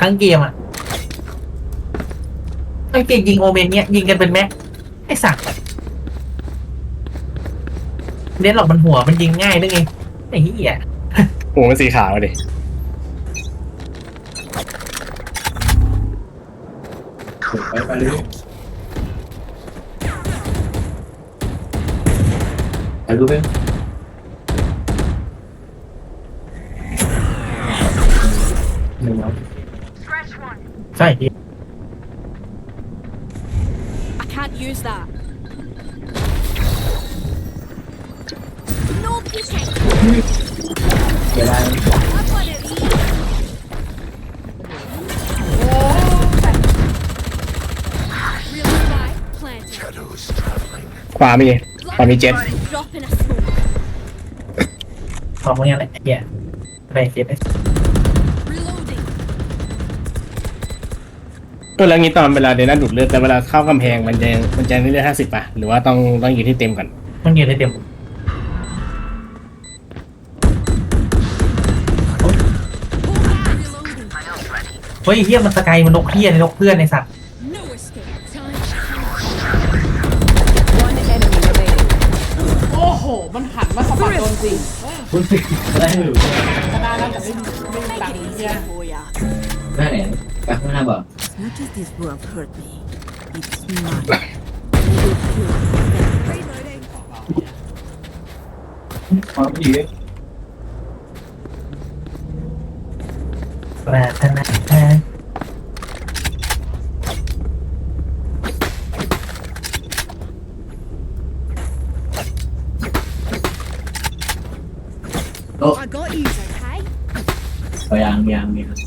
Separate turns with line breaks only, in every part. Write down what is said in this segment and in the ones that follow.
ทั้งเกมอ่ะทั้งเกมยิงโอเมนเนี้ยยิงกันเป็นแม็กไอ้สัตว์เน้นหรอกมันหัวมันยิงง่ายด้วยไงไอ้เหี้ย
หัวมันสีขาวดิ
ไปเลยไปรู้ไหมหนึ่งแล้ว
ใช่พี่
I can't use that. No peeking.
เดี๋ยวได้
I've got it.
โอ้แต่
Real spy planted.
ขวามีเจ็ต
Drop in a smoke.
พอมึงยังไงเหี้ยอะไรเจ็บ
Reloading.
ก็แล้วงี้ตอนเวลาเดน่าดูดเลือดแต่เวลาเข้ากำแพงมันจะเลือด50ป่ะหรือว่าต้องอยู่ที่เต็มก่อน
มันยืนได้เต็ม
Reloading.
เฮ้ยเหี้ยมันสกายมันนกเหี้ยในนกเพื่อนในสัตว์
No escape.
One enemy remaining.
โอ้โหมันหันมาสะบัดโดนจริง
คุณสิได้หรือ
ขนาดนั้นแต่ไม่มีตังค์เฮีย
for ya.
ได้ไหนไปข้างหน้าบ่
As much as this world hurt me, it's mine.
Reloading.
ความดี
ปรารถนา
โอ้
I got you. Okay.
ไปยังมีครับ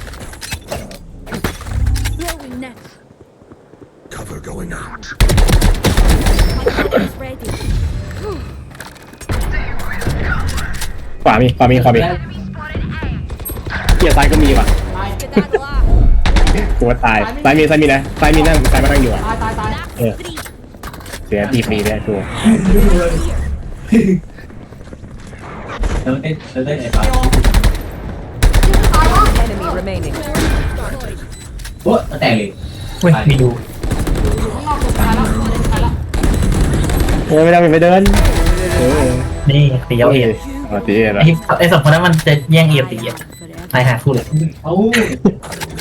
Throwing net.
Cover going out.
My gun is ready.
ขวามีเกียร์ซ้ายก็มีว่ะ
Skedaddle.
กูว่าตายซ้ายมีนะซ้ายมีนั่งซ้ายมานั่งอยู่อ่ะ
ตาย
That's three.
เสียตีฟรีเลยตัว
แล้วได้ไหนบ้าง
Enemy remaining.
โอ้แต่งเลย
เว้ยมีดู
ข้างนอกตัวตายแล้วตายแล้ว
ไม่เดิน
นี่ตีเอาเอ็ด
ตีเอ็ด
ไอ้สองคนนั้นมันจะแย่งเอ็ดตีเอ็ดตายหาคู่เลย
เอ้า